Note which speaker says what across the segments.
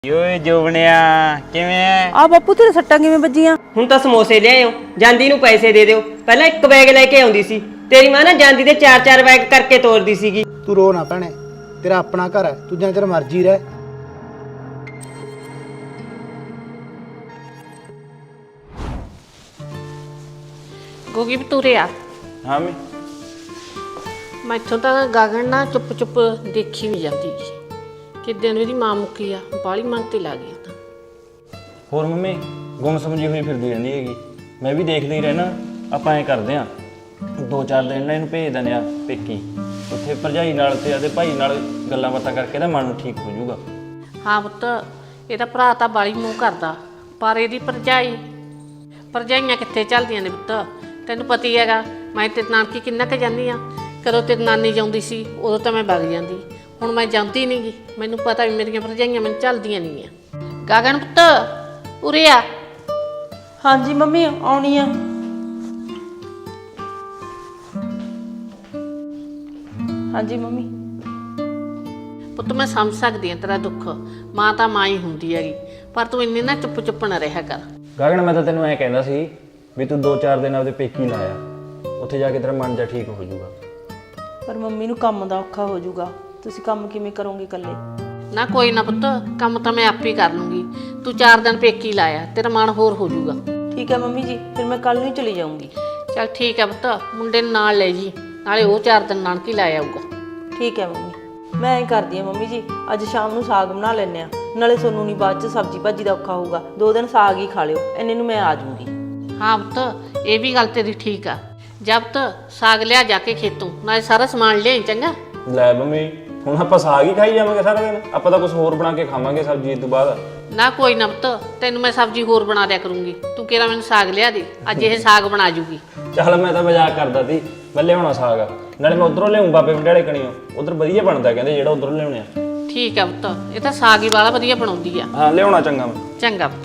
Speaker 1: ਓਏ ਜੋਬਣਿਆ ਕਿਵੇਂ ਐ?
Speaker 2: ਆ ਬਾਪੂ ਤੇਰੇ ਸੱਟਾਂ ਕਿਵੇਂ ਵੱਜੀਆਂ?
Speaker 3: ਹੁਣ ਤਾਂ ਸਮੋਸੇ ਲਿਆਇਓ, ਜਾਂਦੀ ਨੂੰ ਪੈਸੇ ਦੇ ਦਿਓ। ਪਹਿਲਾਂ ਇੱਕ ਬੈਗ ਲੈ ਕੇ ਆਉਂਦੀ ਸੀ, ਤੇਰੀ ਮਾਂ ਨਾ ਜਾਂਦੀ ਦੇ 4-4 ਬੈਗ ਕਰਕੇ ਤੋਰਦੀ ਸੀਗੀ।
Speaker 4: ਤੂੰ ਰੋ ਨਾ ਭੈਣੇ, ਤੇਰਾ ਆਪਣਾ ਘਰ ਹੈ, ਤੂੰ ਜਿੰਨਾ ਚਿਰ ਮਰਜ਼ੀ ਰਹਿ।
Speaker 5: ਗੋਗੀ ਬਤੂਰੇ ਆ
Speaker 1: ਹਾਂ ਮੈਂ
Speaker 5: ਮੈਥੋਂ ਤਾਂ ਗਾਗਣ ਨਾ ਚੁੱਪ ਚੁੱਪ ਦੇਖੀ ਵੀ ਜਾਂਦੀ ਸੀ। ਕਿੱਦਾਂ ਨੂੰ ਇਹਦੀ ਮਾਂ ਮੁੱਕੀ ਆ, ਬਾਲੀ ਮਨ ਤੇ ਲੱਗ ਗਈ ਤਾਂ।
Speaker 1: ਹੋਰ ਮੰਮੀ ਗੁੰਮ ਸਮਝੀ ਹੋਈ ਫਿਰਦੀ ਰਹਿੰਦੀ ਹੈਗੀ। ਮੈਂ ਵੀ ਦੇਖਦਾ ਹੀ ਰਹਿਣਾ। ਆਪਾਂ ਐ ਕਰਦੇ ਆ 2-4 ਦਿਨ ਨਾ ਇਹਨੂੰ ਭੇਜ ਦਿੰਦੇ ਆ ਪੇਕੀ। ਉੱਥੇ ਭਰਜਾਈ ਨਾਲ ਤੇ ਆਦੇ ਭਾਈ ਨਾਲ ਗੱਲਾਂ ਬਾਤਾਂ ਕਰਕੇ ਨਾ ਮਨ ਠੀਕ ਹੋ ਜਾਊਗਾ।
Speaker 5: ਹਾਂ ਪੁੱਤ, ਇਹਦਾ ਭਰਾ ਤਾਂ ਬਾਲੀ ਮੂੰਹ ਕਰਦਾ, ਪਰ ਇਹਦੀ ਭਰਜਾਈਆਂ ਕਿੱਥੇ ਚੱਲਦੀਆਂ ਨੇ ਪੁੱਤ। ਤੈਨੂੰ ਪਤਾ ਹੀ ਹੈਗਾ, ਮੈਂ ਤੇ ਨਾਨਕੀ ਕਿੰਨਾ ਕੁ ਜਾਂਦੀ ਆ। ਕਦੋਂ ਤੇ ਨਾਨੀ ਜਾਂਦੀ ਸੀ ਉਦੋਂ ਤਾਂ ਮੈਂ ਵਗ ਜਾਂਦੀ, ਹੁਣ ਮੈਂ ਜਾਂਦੀ ਨਹੀਂ ਗੀ। ਮੈਨੂੰ ਪਤਾ ਵੀ ਮੇਰੀਆਂ ਭਰਜਾਈਆਂ ਮੈਨੂੰ ਚੱਲਦੀਆਂ ਨਹੀਂ ਆ। ਗਾਗਣ ਪੁੱਤ ਉਰੇ ਆ।
Speaker 2: ਹਾਂਜੀ ਮੰਮੀ ਆਉਣੀ ਆ। ਹਾਂਜੀ ਮੰਮੀ।
Speaker 5: ਪੁੱਤ ਮੈਂ ਸਮਝ ਸਕਦੀ ਹਾਂ ਤੇਰਾ ਦੁੱਖ, ਮਾਂ ਤਾਂ ਮਾਂ ਹੀ ਹੁੰਦੀ ਹੈਗੀ, ਪਰ ਤੂੰ ਇੰਨੀ ਨਾ ਚੁੱਪ ਨਾ ਰਿਹਾ ਕਰ।
Speaker 1: ਗਗਨ ਮੈਂ ਤਾਂ ਤੈਨੂੰ ਐ ਕਹਿੰਦਾ ਸੀ ਵੀ ਤੂੰ 2-4 ਦਿਨ ਆਪਦੇ ਪੇਕੀ ਲਾਇਆ, ਉੱਥੇ ਜਾ ਕੇ ਤੇਰਾ ਮਨ ਜਾ ਠੀਕ ਹੋ ਜਾਊਗਾ।
Speaker 2: ਪਰ ਮੰਮੀ ਨੂੰ ਕੰਮ ਦਾ ਔਖਾ ਹੋ ਜਾਊਗਾ, ਤੁਸੀਂ ਕੰਮ ਕਿਵੇਂ ਕਰੋਗੇ ਇਕੱਲੇ?
Speaker 5: ਨਾ ਕੋਈ ਨਾ ਪੁੱਤ, ਕੰਮ ਤਾਂ ਮੈਂ ਆਪੇ ਕਰ ਲੂੰਗੀ। ਤੂੰ 4 ਦਿਨ ਪੇਕੀ ਲਾਇਆ, ਤੇਰਾ ਮਨ ਹੋਰ ਹੋ ਜਾਊਗਾ।
Speaker 2: ਠੀਕ ਹੈ ਮੰਮੀ ਜੀ, ਫਿਰ ਮੈਂ ਕੱਲ ਨੂੰ ਹੀ ਚਲੀ ਜਾਊਂਗੀ।
Speaker 5: ਚੱਲ ਠੀਕ ਹੈ ਪੁੱਤ, ਮੁੰਡੇ ਨੂੰ ਨਾਲ ਲੈ ਜੀ, ਨਾਲੇ ਉਹ 4 ਦਿਨ ਨਾਨਕੀ ਲਾ ਆਊਗਾ।
Speaker 2: ਠੀਕ ਹੈ ਮੰਮੀ, ਮੈਂ ਐਂ ਕਰਦੀ ਹਾਂ ਮੰਮੀ ਜੀ, ਅੱਜ ਸ਼ਾਮ ਨੂੰ ਸਾਗ ਬਣਾ ਲੈਂਦੇ ਆ, ਨਾਲੇ ਤੁਹਾਨੂੰ ਨਹੀਂ ਬਾਅਦ 'ਚ ਸਬਜ਼ੀ ਭਾਜੀ ਦਾ ਔਖਾ ਹੋਊਗਾ। 2 ਦਿਨ ਸਾਗ ਹੀ ਖਾ ਲਿਓ, ਇੰਨੇ ਨੂੰ ਮੈਂ ਆ ਜਾਊਂਗੀ।
Speaker 5: ਹਾਂ ਪੁੱਤ, ਇਹ ਵੀ ਗੱਲ ਤੇਰੀ ਠੀਕ ਆ। ਜਦ ਸਾਗ ਲਿਆ ਜਾ ਕੇ ਖੇਤੋਂ, ਨਾਲੇ ਸਾਰਾ ਸਮਾਨ ਲਿਆਈ ਚੰਗਾ।
Speaker 1: ਲੈ ਮੰਮੀ ਹੁਣ ਆਪਾਂ ਸਾਗ ਹੀ ਖਾਈ ਜਾਵਾਂਗੇ ਸਾਰਾ ਦਿਨ? ਆਪਾਂ ਤਾਂ ਕੁਝ ਹੋਰ ਬਣਾ ਕੇ ਖਾਵਾਂਗੇ ਸਬਜ਼ੀ ਤੋਂ ਬਾਅਦ।
Speaker 5: ਨਾ ਕੋਈ ਨਾ ਪੁੱਤ, ਤੈਨੂੰ ਮੈਂ ਸਬਜ਼ੀ ਹੋਰ ਬਣਾ ਦਿਆ ਕਰੂੰਗੀ। ਤੂੰ ਕਿਹੜਾ ਮੈਨੂੰ ਸਾਗ ਲਿਆ ਦੇ, ਅੱਜ ਇਹ ਸਾਗ ਬਣਾ ਜੂਗੀ।
Speaker 1: ਚੱਲ ਮੈਂ ਤਾਂ ਮਜ਼ਾਕ ਕਰਦਾ ਸੀ, ਮੈਂ ਲਿਆਉਣਾ ਸਾਗ, ਨਾਲੇ ਮੈਂ ਉਧਰੋਂ ਲਿਆਉਂ ਬਾਬੇ ਵੰਡਾਲੇ ਕਣੀਓ। ਉਧਰ ਵਧੀਆ ਬਣਦਾ ਕਹਿੰਦੇ, ਜਿਹੜਾ ਉਧਰੋਂ ਲਿਆਉਣੇ ਆ।
Speaker 5: ਠੀਕ ਆ ਪੁੱਤ, ਇਹ ਤਾਂ ਸਾਗ ਹੀ ਵਾਲਾ ਵਧੀਆ ਬਣਾਉਂਦੀ ਆ।
Speaker 1: ਹਾਂ ਲਿਆਉਣਾ ਚੰਗਾ ਮੈਂ।
Speaker 5: ਚੰਗਾ ਪੁੱਤ।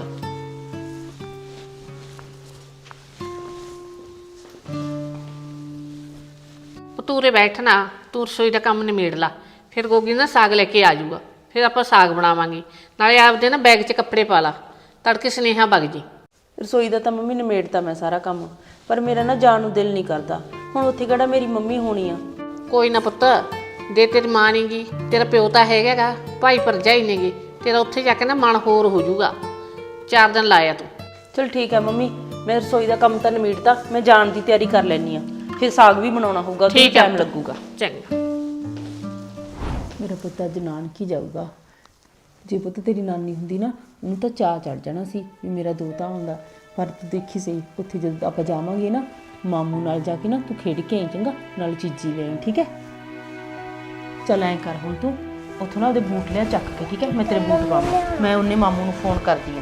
Speaker 5: ਪਤੂਰੇ ਬੈਠਣਾ, ਤੂੰ ਰਸੋਈ ਦਾ ਕੰਮ ਨਿਮੇੜ ਲਾ, ਫਿਰ ਗੋਗੀ ਨਾ ਸਾਗ ਲੈ ਕੇ ਆ ਜਾਊਗਾ, ਫਿਰ ਆਪਾਂ ਸਾਗ ਬਣਾਵਾਂਗੇ। ਨਾਲੇ ਆਪਦੇ ਨਾ ਬੈਗ 'ਚ ਕੱਪੜੇ ਪਾ ਲਾ, ਤੜਕੇ ਸੁਨੇਹਾ ਵਗ ਜੀ।
Speaker 2: ਰਸੋਈ ਦਾ ਤਾਂ ਮੰਮੀ ਨਿਮੇੜਤਾ ਮੈਂ ਸਾਰਾ ਕੰਮ, ਪਰ ਮੇਰਾ ਨਾ ਜਾਣ ਨੂੰ ਦਿਲ ਨਹੀਂ ਕਰਦਾ। ਹੁਣ ਉੱਥੇ ਕਿਹੜਾ ਮੇਰੀ ਮੰਮੀ ਹੋਣੀ ਆ।
Speaker 5: ਕੋਈ ਨਾ ਪੁੱਤ, ਦੇ ਤੇਰੀ ਮਾਂ ਨੀ ਗੀ, ਤੇਰਾ ਪਿਓ ਤਾਂ ਹੈਗਾ, ਭਾਈ ਭਰਜਾਈ ਨੇਗੇ, ਤੇਰਾ ਉੱਥੇ ਜਾ ਕੇ ਨਾ ਮਨ ਹੋਰ ਹੋ ਜਾਊਗਾ। 4 ਦਿਨ ਲਾਇਆ ਤੂੰ।
Speaker 2: ਚਲ ਠੀਕ ਹੈ ਮੰਮੀ, ਮੈਂ ਰਸੋਈ ਦਾ ਕੰਮ ਤਾਂ ਨਿਮੇੜਤਾ, ਮੈਂ ਜਾਣ ਦੀ ਤਿਆਰੀ ਕਰ ਲੈਣੀ ਆ। ਫਿਰ ਸਾਗ ਵੀ ਬਣਾਉਣਾ ਹੋਊਗਾ, ਤੇ ਟਾਈਮ ਲੱਗੂਗਾ।
Speaker 5: ਚੰਗਾ।
Speaker 2: ਮੇਰਾ ਪੁੱਤ ਅੱਜ ਨਾਨਕੀ ਜਾਊਗਾ। ਜੇ ਪੁੱਤ ਤੇਰੀ ਨਾਨੀ ਹੁੰਦੀ ਨਾ, ਉਹਨੂੰ ਤਾਂ ਚਾਅ ਚੜ ਜਾਣਾ ਸੀ ਵੀ ਮੇਰਾ ਦੋਤਾ ਹੁੰਦਾ। ਪਰ ਤੂੰ ਦੇਖੀ ਸਹੀ, ਉੱਥੇ ਜਦੋਂ ਆਪਾਂ ਜਾਵਾਂਗੇ ਨਾ, ਮਾਮੂ ਨਾਲ ਜਾ ਕੇ ਨਾ ਤੂੰ ਖੇਡ ਕੇ ਆਈ ਚੰਗਾ, ਨਾਲ ਚੀਜ਼ੀ ਲੈ ਆਈ, ਠੀਕ ਹੈ? ਚੱਲ ਐਂ ਕਰ, ਹੁਣ ਤੂੰ ਉੱਥੋਂ ਨਾ ਉਹਦੇ ਬੂਟ ਲਿਆ ਚੱਕ ਕੇ, ਠੀਕ ਹੈ? ਮੈਂ ਤੇਰੇ ਬੂਟ ਪਾਵਾਂ, ਮੈਂ ਉਹਨੇ ਮਾਮੂ ਨੂੰ ਫੋਨ ਕਰਦੀ ਹਾਂ।